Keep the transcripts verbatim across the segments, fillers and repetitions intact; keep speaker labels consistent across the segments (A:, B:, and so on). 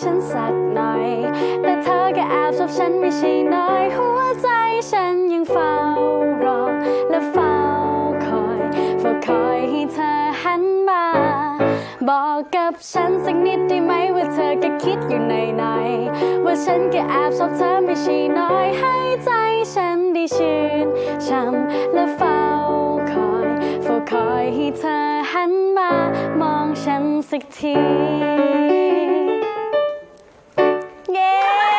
A: ฉันสักหน่อยแต่เธอก็แอบชอบฉันไม่ใช่น้อยหัวใจฉันยังเฝ้ารอและเฝ้าคอยเฝ้าคอยให้เธอหันมาบอกกับฉันสักนิดได้ไหมว่าเธอก็คิดอยู่ในในว่าฉันก็แอบชอบเธอไม่ใช่น้อยให้ใจฉันได้ชื่นช่ำและเฝ้าคอยเฝ้าคอยให้เธอหันมามองฉันสักทีเย้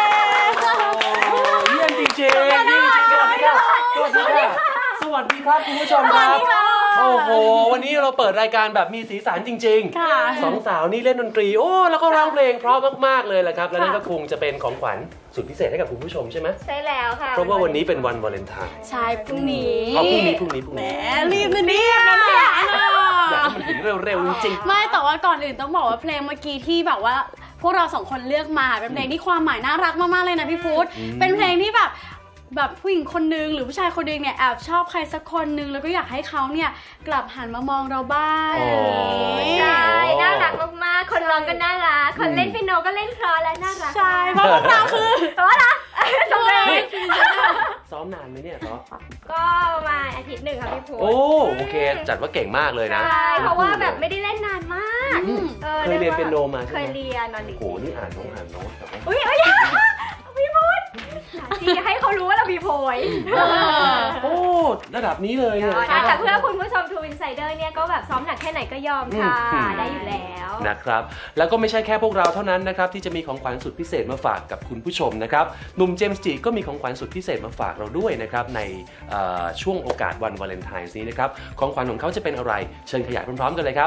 B: เยี่ยมจริงๆนี่สวัสดีค่ะสวัสดีค่ะสวัสดีครับคุณผู้ชมครับโอ้โหวันนี้เราเปิดรายการแบบมีสีสันจริงๆสองสาวนี่เล่นดนตรีโอ้แล้วก็ร้องเพลงเพราะมากๆเลยแหละครับและนั่นก็คงจะเป็นของขวัญสุดพิเศษให้กับคุณผู้ชมใช่ไหม
C: ใช่แล้วค่ะ
B: เพราะว่าวันนี้เป็นวันวาเลนไทน์
A: ใช่พรุ่งนี้
B: เอาพรุ่งนี้พรุ่งนี้พรุ่งนี้
A: แหมรีบนะเนี่ย
B: อยากให้มันถึงเร็วๆจริง
A: ๆไม่แต่ว่าก่อนอื่นต้องบอกว่าเพลงเมื่อกี้ที่แบบว่าพวกเราสองคนเลือกมาเป็นเพลงที่ความหมายน่ารักมากๆเลยนะพี่พุทธเป็นเพลงที่แบบแบบผู้หญิงคนนึงหรือผู้ชายคนนึงเนี่ยแอบชอบใครสักคนนึงแล้วก็อยากให้เขาเนี่ยกลับหันมามองเราบ้าง
C: ใช่น่ารักมากๆคนร้องก็น่ารักคนเล่นเปียโนก็เล่นเพราะและน่ารัก
A: ใช่เพราะพวกเราคือ
C: เพราะนะจบเลย
B: ซ้อมนานไหมเนี่ยซ้อม
C: ก็ประมาณอาทิตย์หนึ่งค่ะพี่ภู
B: โอ้โอเคจัดว่าเก่งมากเลยนะ
C: ใช่เพราะว่าแบบไม่ได้เล่นนานมาก
B: เคยเรียนเปียโนมาใช่ไหม
C: เคยเรียนนอนดิ
B: โอ้นี่อ่านน้องอ่านน้อง
C: อุ้ยเอ้ยพี่พุทธที่จะให้เขารู้ว่าเรามีโพย
B: โอ้ระดับนี้เลยเนี่ย
C: แต่เพื่อคุณผู้ชมทูอินไซเดอร์เนี่ยก็แบบซ้อมหนักแค่ไหนก็ยอมค่ะได้อยู่แล้ว
B: นะครับแล้วก็ไม่ใช่แค่พวกเราเท่านั้นนะครับที่จะมีของขวัญสุดพิเศษมาฝากกับคุณผู้ชมนะครับหนุ่มเจมส์จิก็มีของขวัญสุดพิเศษมาฝากเราด้วยนะครับในช่วงโอกาสวันวาเลนไทน์นี้นะครับของขวัญของเขาจะเป็นอะไรเชิญขยายพร้อมๆกันเลยครับ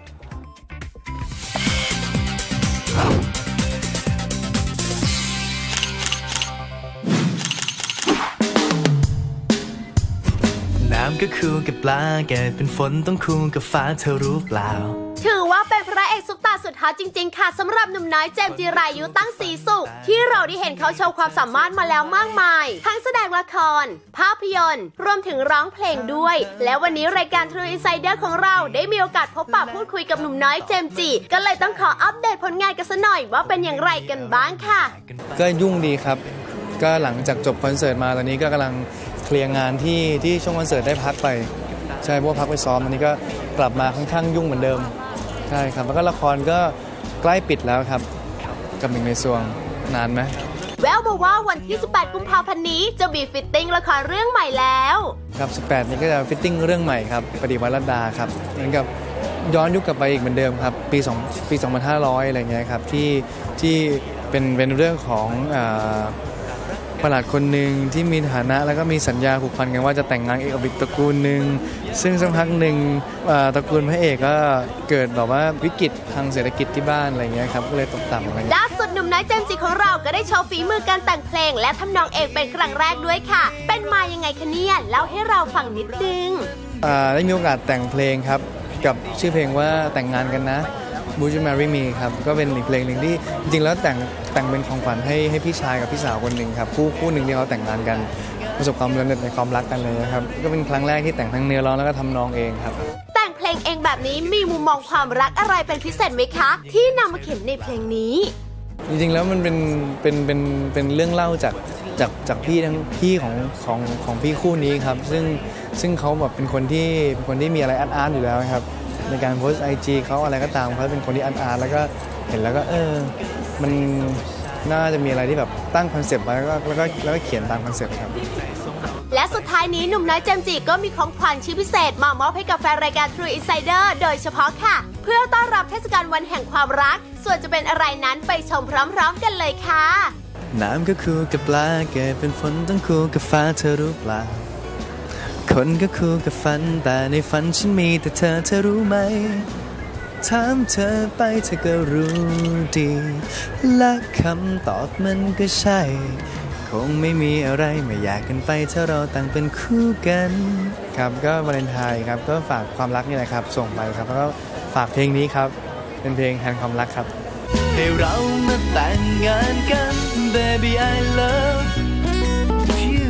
D: น้ำก็คู่กับปลาเกิดเป็นฝนต้องคู่กับฟ้าเธอรู้เปล่า
E: ถือว่าเป็นพระเอกซุปตาสุดฮอตจริงๆค่ะสำหรับหนุ่มน้อยเจมส์จิรายุตั้งศรีสุขที่เราได้เห็นเขาโชว์ความสามารถมาแล้วมากมายทั้งแสดงละครภาพยนตร์รวมถึงร้องเพลงด้วยและวันนี้รายการ True Insider ของเราได้มีโอกาสพบปะพูดคุยกับหนุ่มน้อยเจมส์จิก็เลยต้องขออัปเดตผลงานกันซะหน่อยว่าเป็นอย่างไรกันบ้างค่ะ
F: ก็ยุ่งดีครับก็หลังจากจบคอนเสิร์ตมาตอนนี้ก็กำลังเคลียร์งานที่ที่ช่วงคอนเสิร์ตได้พักไปใช่เพราะว่าพักไปซ้อมอันนี้ก็กลับมาค่อนข้างยุ่งเหมือนเดิมใช่ครับแล้วก็ละครก็ใกล้ปิดแล้วครับกับหนึ่งในซวงนานไหม
E: แววมาว่าวันที่สิบแปดกุมภาพันธ์นี้จะมีฟิตติ้งละครเรื่องใหม่แล้ว
F: ครับสิบแปดนี้ก็จะฟิตติ้งเรื่องใหม่ครับปฏิวัติรัตดาครับเหมือนกับย้อนยุคกลับไปอีกเหมือนเดิมครับปีสองปีสองพันห้าร้อยอะไรเงี้ยครับที่ที่เป็นเป็นเรื่องของประหลาดคนหนึ่งที่มีฐานะแล้วก็มีสัญญาผูกพันกันว่าจะแต่งงานกับอีกตระกูลหนึ่งซึ่งสักพักหนึ่งตระกูลพระเอกก็เกิดแบบว่าวิกฤตทางเศรษฐกิจที่บ้านอะไรเงี้ยครับก็เลยตกต่ำอะไร
E: ล่าสุดหนุ่มน้อยเจมส์จิของเราก็ได้โชว์ฝีมือการแต่งเพลงและทำนองเองเป็นครั้งแรกด้วยค่ะเป็นมายังไงคะเนี่ยเล่าให้เราฟังนิดนึง
F: ได้มีโอกาสแต่งเพลงครับกับชื่อเพลงว่าแต่งงานกันนะWould You Marry Me ครับก็เป็นอีกเพลงหนึ่งที่จริงๆแล้วแต่งแต่งเป็นของขวัญให้ให้พี่ชายกับพี่สาวคนหนึ่งครับคู่คู่หนึ่งที่เขาแต่งงานกันประสบความสำเร็จในความรักกันเลยนะครับก็เป็นครั้งแรกที่แต่งทั้งเนื้อร้องแล้วก็ทำนองเองครับ
E: แต่งเพลงเองแบบนี้มีมุมมองความรักอะไรเป็นพิเศษไหมคะที่นำมาเขียนในเพลงนี้
F: จริงๆแล้วมันเป็นเป็นเป็นเป็นเรื่องเล่าจากจากจากพี่ทั้งพี่ของของของพี่คู่นี้ครับซึ่งซึ่งเขาแบบเป็นคนที่เป็นคนที่มีอะไรอาร์ตๆอยู่แล้วครับในการโพสต์ไอจีเขาอะไรก็ตามเขาเป็นคนที่อาร์ตๆแล้วก็เห็นแล้วก็เออมันน่าจะมีอะไรที่แบบตั้งคอนเซปต์ไว้แล้วก็แล้วก็แล้วก็เขียนตามคอนเซปต์ครับ
E: และสุดท้ายนี้หนุ่มน้อยเจมส์จิก็มีของขวัญชิ้นพิเศษมามอบให้กับแฟนรายการ True Insider โดยเฉพาะค่ะเพื่อต้อนรับเทศกาลวันแห่งความรักส่วนจะเป็นอะไรนั้นไปชมพร้อมๆกันเลยค่ะ
D: น้ำก็คู่กับปลาเกิดเป็นฝนต้องคู่กับฟ้าเธอรู้เปล่าคนก็คู่กับฝันแต่ในฝันฉันมีแต่เธอเธอรู้ไหมถามเธอไปเธอก็รู้ดีและคำตอบมันก็ใช่คงไม่มีอะไรไม่อยากกันไปถ้าเราต่างเป็นคู่กัน
F: ครับก็วาเลนไทน์ครับก็ฝากความรักนี่แหละครับส่งไปครับแล้วก็ฝากเพลงนี้ครับเป็นเพลงแทนความรักครับ
D: ให้เรามาแต่งงานกัน Baby I love you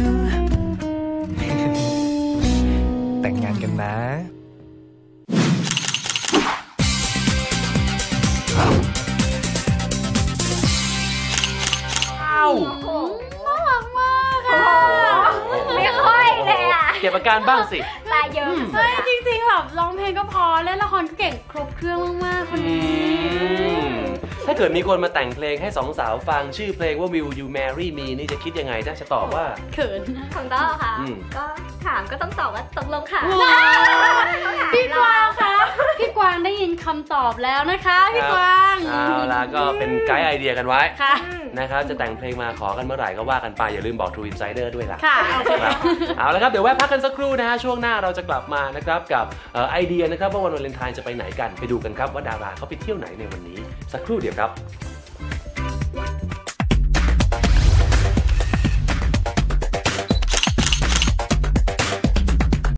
F: แต่งงานกันนะ
B: อาการบ้างสิ
C: ตายเยอะ
A: เฮ้ยจริงๆแบบร้องเพลงก็พอเล่นละครก็เก่งครบเครื่องมากๆคนนี้
B: ถ้าเกิดมีคนมาแต่งเพลงให้สองสาวฟังชื่อเพลงว่า Will You Marry Me นี่จะคิดยังไงถ้าจะตอบว่า
A: เขิน
C: ของต้อค่ะก็ถามก็ต้องตอบว่าตกลงค่ะ
A: พี่กวางคะพี่กวางได้ยินคำตอบแล้วนะคะพี่กวาง
B: เอาล่ะก็เป็นไกด์ไอเดียกันไว้นะครับจะแต่งเพลงมาขอกันเมื่อไหร่ก็ว่ากันไปอย่าลืมบอก True Insider ด้วยล่ะ
A: ค่ะ
B: เอาละครับเดี๋ยวแวะพักกันสักครู่นะฮะช่วงหน้าเราจะกลับมานะครับกับไอเดียนะครับว่าวันวาเลนไทน์จะไปไหนกันไปดูกันครับว่าดาราเขาไปเที่ยวไหนในวันนี้สักครู่เดียวครับ